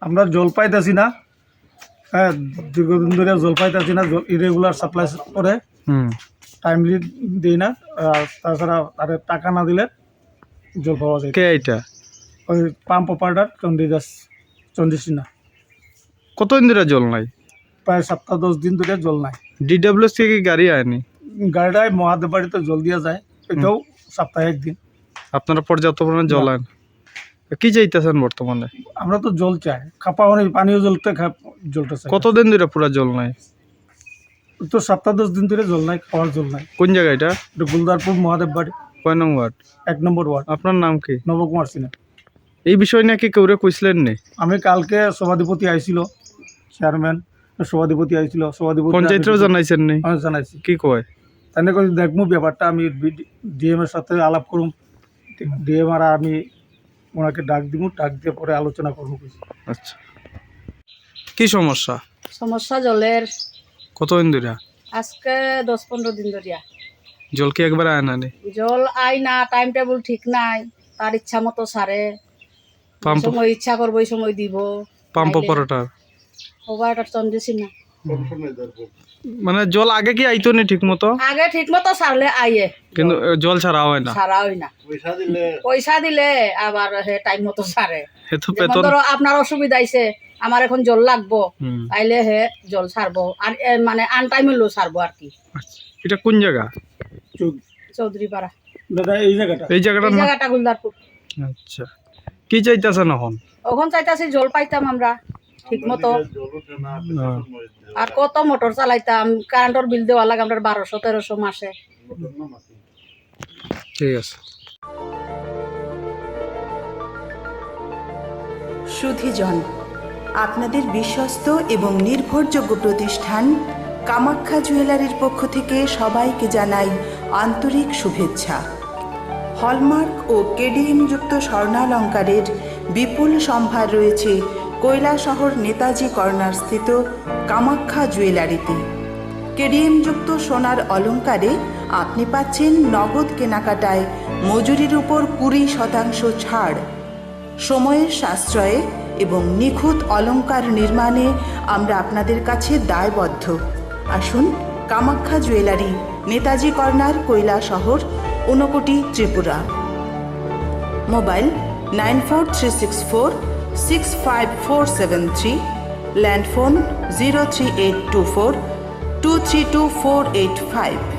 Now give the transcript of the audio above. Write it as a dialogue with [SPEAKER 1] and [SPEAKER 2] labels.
[SPEAKER 1] আমরা জল পাইতেছি না, হ্যাঁ, দীর্ঘদিন ধরে জল পাইতেছি না, ইরেগুলার সাপ্লাই করে, টাইমলি দিই না। আর তাছাড়া আরে টাকা না দিলে জল পাওয়া যায়।
[SPEAKER 2] কে এটা?
[SPEAKER 1] ওই পাম্প অপারেটর চন্দ্রিসিনা।
[SPEAKER 2] কতদিন ধরে জল নাই?
[SPEAKER 1] প্রায় 7-10 দিন ধরে জল নাই।
[SPEAKER 2] ডিডব্লিউএস থেকে কি গাড়ি আয়নি?
[SPEAKER 1] গাড়িটায় মহাদেব বাড়িতে জল দিয়ে যায়, এটাও সপ্তাহে একদিন।
[SPEAKER 2] আপনারা পর্যাপ্ত পরিমাণে জল আন, কি চাইতেছেন বর্তমানে?
[SPEAKER 1] আমরা তো জল চাই, খাপা অনেক পানীয় জলটা চাই।
[SPEAKER 2] কতদিন ধরে পুরো জল নাই?
[SPEAKER 1] তো 7-10 দিন ধরে জল নাই, খাওয়ার জল নাই।
[SPEAKER 2] কোন জায়গা এটা?
[SPEAKER 1] এটা গুলদারপুর মহাদেব বাড়ি,
[SPEAKER 2] কয় নং ওয়ার্ড?
[SPEAKER 1] 1 নম্বর ওয়ার্ড।
[SPEAKER 2] আপনার নাম কি?
[SPEAKER 1] নবকুমার সিনহা।
[SPEAKER 2] এই বিষয় নিয়ে কি কেউরে কইছিলেন নি?
[SPEAKER 1] আমি কালকে সভাধিপতি আইছিল, চেয়ারম্যান সভাধিপতি আইছিল, সভাধিপতি
[SPEAKER 2] পঞ্চায়েতেও জানাইছেন নি?
[SPEAKER 1] জানাইছি।
[SPEAKER 2] কি কয়?
[SPEAKER 1] তাই করে দেখবো ব্যাপারটা, আমি ডিএম এর সাথে আলাপ করুম, ডিএম আর আমি ওনাকে ডাক দিব, ডাক দিয়ে পরে আলোচনা করবো।
[SPEAKER 2] আচ্ছা, কি সমস্যা?
[SPEAKER 3] সমস্যা জলের।
[SPEAKER 2] কতদিন ধরে?
[SPEAKER 3] আজকে 10-15 দিন ধরিয়া
[SPEAKER 2] জল কি একবার আয় না?
[SPEAKER 3] জল আই না, টাইম টেবিল ঠিক নাই, তার ইচ্ছা মতো সারে,
[SPEAKER 2] পাম্প
[SPEAKER 3] সময় ইচ্ছা করবো ওই সময় দিব।
[SPEAKER 2] পাম্প অপারেটর
[SPEAKER 3] ওভারটা চন্দ্রেছি না,
[SPEAKER 2] মানে জল আগে কি আইতো নি ঠিক মতো?
[SPEAKER 3] আগে ঠিক মতো সারলে আইয়ে,
[SPEAKER 2] কিন্তু জল ছাড়া হয় না।
[SPEAKER 3] সারা হয় না। পয়সা দিলে আবার হে টাইম মতো সারে।
[SPEAKER 2] এ তো
[SPEAKER 3] যেমন
[SPEAKER 2] বেতন।
[SPEAKER 3] ধরো আপনার অসুবিধা আইছে, আমার এখন জল লাগবো, আইলে হে জল ছাড়বো, আর মানে আন টাইম হলেও ছাড়বো আর কি।
[SPEAKER 2] এটা কোন জায়গা?
[SPEAKER 3] চৌধুরী পাড়া।
[SPEAKER 1] দাদা এই জায়গাটা,
[SPEAKER 2] এই জায়গাটার নাম?
[SPEAKER 3] জায়গাটা গুলদারপুর।
[SPEAKER 2] আচ্ছা, কি চাইতেছেন এখন?
[SPEAKER 3] ওখান চাইতাছি জল পাইতাম আমরা ঠিক মতো, আর কত মোটর চালাইতাম, কারেন্টের বিল দেওয়া লাগে আমরা 1200-1300 মাসে।
[SPEAKER 2] ঠিক আছে।
[SPEAKER 4] সুধীজন, আপনাদের বিশ্বস্ত এবং নির্ভরযোগ্য প্রতিষ্ঠান কামাখ্যা জুয়েলারির পক্ষ থেকে সবাইকে জানাই আন্তরিক শুভেচ্ছা। হলমার্ক ও কেডিএম যুক্ত স্বর্ণালঙ্কারের বিপুল সম্ভার রয়েছে কৈলাসহর নেতাজি কর্নার স্থিত কামাখ্যা জুয়েলারিতে। কেডিএম যুক্ত সোনার অলঙ্কারে আপনি পাচ্ছেন নগদ কেনাকাটায় মজুরির উপর 20% ছাড়। সময়ের সাশ্রয়ে এবং নিখুঁত অলঙ্কার নির্মাণে আমরা আপনাদের কাছে দায়বদ্ধ। আসুন Kamakhya jewellery, Netaji corner, Kailashahar, Unakoti, Tripura. Mobile 9436465473, landphone 03824232485।